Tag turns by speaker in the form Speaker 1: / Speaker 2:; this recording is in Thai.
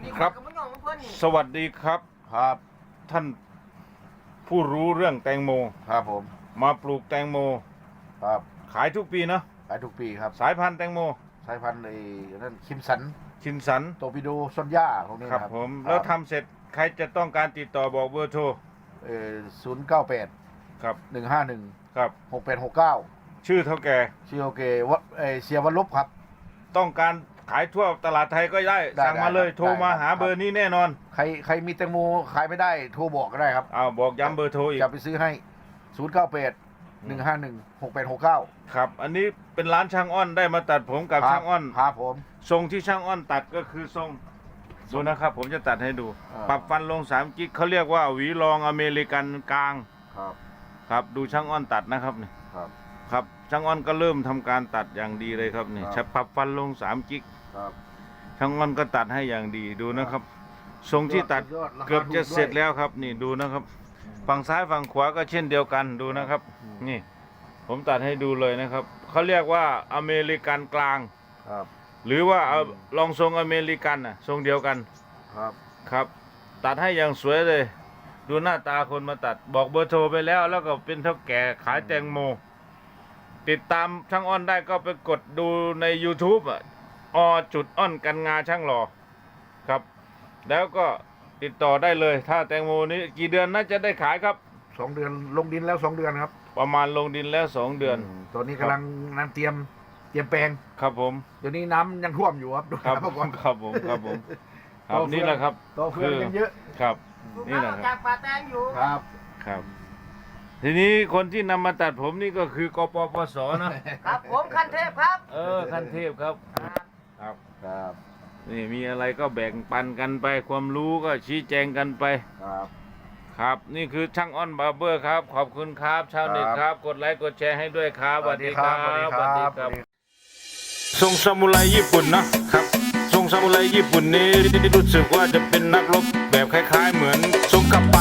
Speaker 1: ครับ สวัสดีครับ
Speaker 2: ครับ
Speaker 1: ท่านผู้รู้เรื่องแตงโม
Speaker 2: ครับผม
Speaker 1: มาปลูกแตงโม
Speaker 2: ครับ
Speaker 1: ขายทุกปีเนาะ
Speaker 2: ขายทุกปีครับ
Speaker 1: สายพันธุ์แตงโม
Speaker 2: สายพันธุ์นั่นคิมสัน
Speaker 1: ชินสัน
Speaker 2: โตปิโดซอนย่าพวกนี้
Speaker 1: ครับผมแล้วทำเสร็จใครจะต้องการติดต่อบอกเบอร์โทร
Speaker 2: 098
Speaker 1: ครับ
Speaker 2: 151
Speaker 1: ครับ
Speaker 2: 6869
Speaker 1: ชื่อเท่าแก่
Speaker 2: ชื่อโอเควะเสียวันลบครับ
Speaker 1: ต้องการขายทั่วตลาดไทยก็ได้สั่งมาเลยโทรมาหาเบอร์นี้แน่นอน
Speaker 2: ใครมีแตงโมขายไม่ได้โทรบอกก็ได้ครับ
Speaker 1: บอกย้ำเบอร์โทรอีก
Speaker 2: จะไปซื้อให้098 151 6869
Speaker 1: ครับอันนี้เป็นร้านช่างอ้อนได้มาตัดผมกับช่างอ้อน
Speaker 2: ครับผม
Speaker 1: ทรงที่ช่างอ้อนตัดก็คือทรงดูนะครับผมจะตัดให้ดูปรับฟันลง3กิ๊กเขาเรียกว่าหวีรองอเมริกันกลางครับดูช่างอ้อนตัดนะครับนี่ครับช่างอ้อนก็เริ่มทำการตัดอย่างดีเลยครับนี่ปรับฟันลง3กิ๊กช่างอ้อนก็ตัดให้อย่างดีดูนะครับทรงที่ตัดเกือบจะเสร็จแล้วครับนี่ดูนะครับฝั่งซ้ายฝั่งขวาก็เช่นเดียวกันดูนะครับนี่ผมตัดให้ดูเลยนะครับเขาเรียกว่าอเมริกันกลางหรือว่าลองทรงอเมริกันน่ะทรงเดียวกันครับตัดให้อย่างสวยเลยดูหน้าตาคนมาตัดบอกเบอร์โทรไปแล้วแล้วก็เป็นเท่าแก่ขายแตงโมติดตามช่างอ้อนได้ก็ไปกดดูใน YouTube อ้อนกันงาช่างหล่อครับแล้วก็ติดต่อได้เลยถ้าแตงโมนี้กี่เดือนน่าจะได้ขายครับ
Speaker 2: 2 เดือนลงดินแล้ว2 เดือนครับ
Speaker 1: ประมาณลงดินแล้ว2 เดือน
Speaker 2: ตอนนี้กำลังน้ำเตรียมแปลง
Speaker 1: ครับผม
Speaker 2: เดี๋ยวนี้น้ำยังท่วมอยู่ครับดู
Speaker 1: ครับ
Speaker 2: ก่อน
Speaker 1: ครับผมครับนี่แหละครับ
Speaker 2: ต่อเฟืองยังเยอะ
Speaker 1: ครับนี่แหละ
Speaker 3: จากป่าแตงอยู่
Speaker 1: ครับทีนี้คนที่นำมาตัดผมนี่ก็คือกปปส
Speaker 3: นะครับผมคันเทพครับ
Speaker 1: คันเทพครับนี่มีอะไรก็แบ่งปันกันไปความรู้ก็ชี้แจงกันไปครับนี่คือช่างอ้อนบาร์เบอร์ครับขอบคุณครับชาวเน็ตครับกดไลค์กดแชร์ให้ด้วยครับสวัสดีครับสวัสดีครับทรงซามูไรญี่ปุ่นนะครับทรงซามูไรญี่ปุ่นนี้รู้สึกว่าจะเป็นนักรบแบบคล้ายๆเหมือนทรงกัปปะ